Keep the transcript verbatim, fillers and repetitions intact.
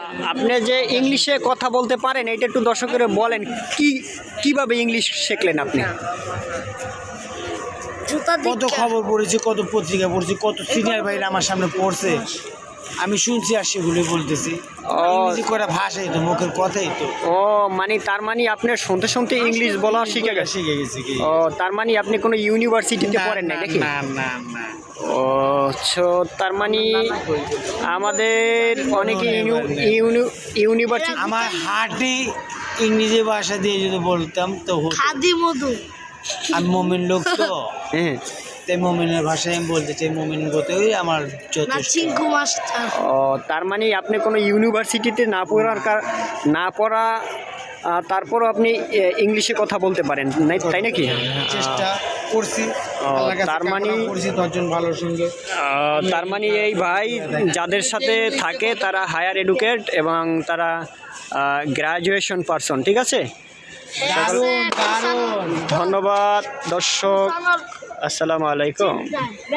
আপনি যে ইংলিশে কথা বলতে পারেন এটা একটু দর্শকের বলেন, কি কিভাবে ইংলিশ শিখলেন আপনি? কত খবর পড়েছি, কত পত্রিকা পড়ছি, কত সিনিয়র ভাইরা আমার সামনে পড়ছে, আমি শুনছি আর সেগুলো বলতেছি। ইংরেজি করে ভাষাই তো, মুখের কথাই তো। ও মানে তার মানে আপনি শুনতে শুনতে ইংলিশ বলা শিখে গেছে। শিখে গেছি কি? ও তার মানে আপনি কোনো ইউনিভার্সিটিতে পড়েন নাই নাকি? না না না। ও সো তার মানে আমাদের অনেকে ইউনিভার্সিটি আমার হার্টে ইংরেজি ভাষা দিয়ে যদি বলতাম তো হতো। খাদি মধু আমি মমিন লোক তো, হ্যাঁ তাই মমিনের ভাষায় আমি বলতে চাই, মমিন গতেই আমার যথেষ্ট। চিঙ্কু মাস্টার। ও তার মানে আপনি কোনো ইউনিভার্সিটিতে না পড়ার কার না পড়া আহ, তারপরও আপনি এ, ইংলিশে কথা বলতে পারেন নাই, তাই নাকি? চেষ্টা করছি, ও, আল্লাহর কাছে তার মানে কামনা করছি দশজন ভালো সঙ্গে। আহ, তার মানে এই ভাই যাদের সাথে থাকে তারা হায়ার এডুকেট এবং তারা গ্র্যাজুয়েশন পারসন, ঠিক আছে? দারুণ দারুণ। ধন্যবাদ দর্শক, আসসালামু আলাইকুম।